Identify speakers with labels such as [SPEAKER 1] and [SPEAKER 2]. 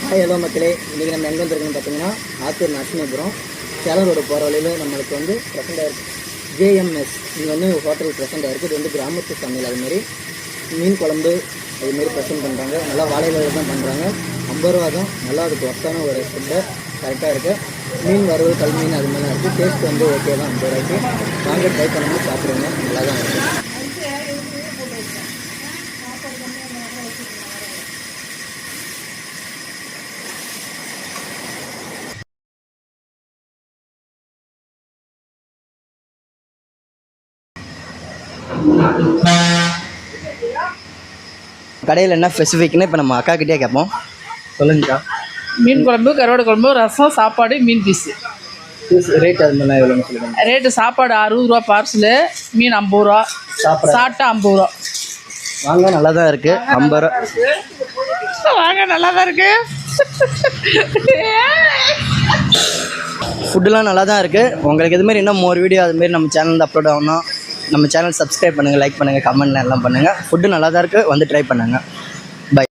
[SPEAKER 1] Hello மக்களே, இன்றைக்கி நம்ம எங்கே வந்துருக்குன்னு பார்த்தீங்கன்னா ஆத்தூர் நரசிம்மபுரம் சேலம் ரோடு போகிற வழியில் நம்மளுக்கு வந்து ப்ரெசென்ட் ஆகிருக்கு ஜேஎம்எஸ். இங்கே வந்து ஹோட்டல் ப்ரெசென்ட் ஆகிருக்கு. இது வந்து கிராமத்து சமையல். அதுமாரி மீன் குழம்பு அதுமாரி ப்ரெசென்ட் பண்ணுறாங்க. நல்லா வாழையில தான் பண்ணுறாங்க. 50 ரூபா தான். நல்லா அதுக்கு ஒர்த்தான ஒரு ஃபுட்டு கரெக்டாக இருக்குது. மீன் வறுவல் கல் மீன் அது மாதிரிலாம் இருக்குது. டேஸ்ட் வந்து ஓகே தான். 50 ரூபாய்க்கு வாங்க ட்ரை பண்ணாமல் சாப்பிடுங்க. நல்லா தான் இருக்குது. கடையில் என்ன ஸ்பெசிஃபிக்னு இப்போ நம்ம அக்கா கிட்டே கேட்போம். சொல்லுங்கக்கா.
[SPEAKER 2] மீன் குழம்பு, கருவாடு குழம்பு, ரசம், சாப்பாடு, மீன் பீஸு.
[SPEAKER 1] ரேட் அது மாதிரிலாம் எவ்வளோன்னு சொல்லுங்கள்.
[SPEAKER 2] ரேட்டு சாப்பாடு 60 ரூபா பார்சலு, மீன் 50 ரூபா, சாப்பிட்டா 50 ரூபா.
[SPEAKER 1] வாங்க, நல்லா தான் இருக்குது. 50 ரூபா
[SPEAKER 2] வாங்க, நல்லா தான் இருக்குது.
[SPEAKER 1] ஃபுட்டுலாம் நல்லா தான் இருக்குது. உங்களுக்கு இதுமாரி இன்னும் மோர் வீடியோ அதுமாரி நம்ம சேனலில் அப்லோட் ஆகணும். நம்ம சேனல் சப்ஸ்கிரைப் பண்ணுங்கள், லைக் பண்ணுங்கள், கமெண்ட் எல்லாம் பண்ணுங்கள். ஃபுட்டு நல்லா தான் இருக்குது. வந்து ட்ரை பண்ணுங்கள்.